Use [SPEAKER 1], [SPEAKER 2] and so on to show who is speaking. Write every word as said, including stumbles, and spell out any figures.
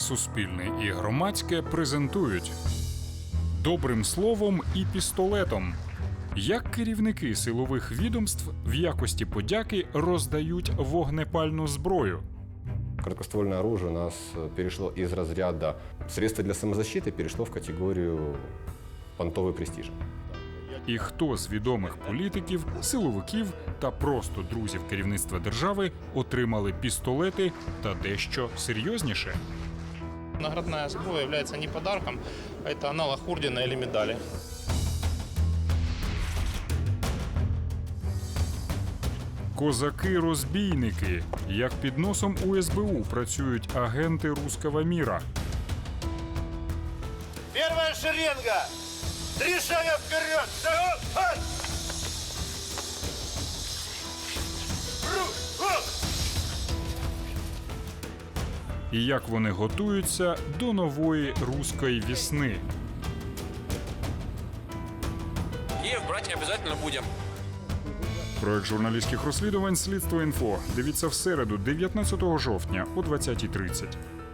[SPEAKER 1] Суспільне і громадське презентують добрим словом і пістолетом. Як керівники силових відомств в якості подяки роздають вогнепальну зброю.
[SPEAKER 2] Короткоствольное оружие у нас перешло из разряда средства для самозащиты, перешло в категорию понтовый престиж.
[SPEAKER 1] І хто з відомих політиків, силовиків та просто друзів керівництва держави отримали пістолети та дещо серйозніше?
[SPEAKER 3] Наградная зброя является не подарком, а это аналог ордена или медали.
[SPEAKER 1] Козаки-розбійники. Як під носом у ес бе у працюють агенти руского міра.
[SPEAKER 4] Первая шеренга! Три шага вперед! Шагом! Ха! Ру! Оп!
[SPEAKER 1] І як вони готуються до нової руської весни.
[SPEAKER 5] Киев брать обязательно будем.
[SPEAKER 1] Проект журналістських розслідувань «Слідство інфо». Дивіться в середу, дев'ятнадцятого жовтня о двадцятій тридцять.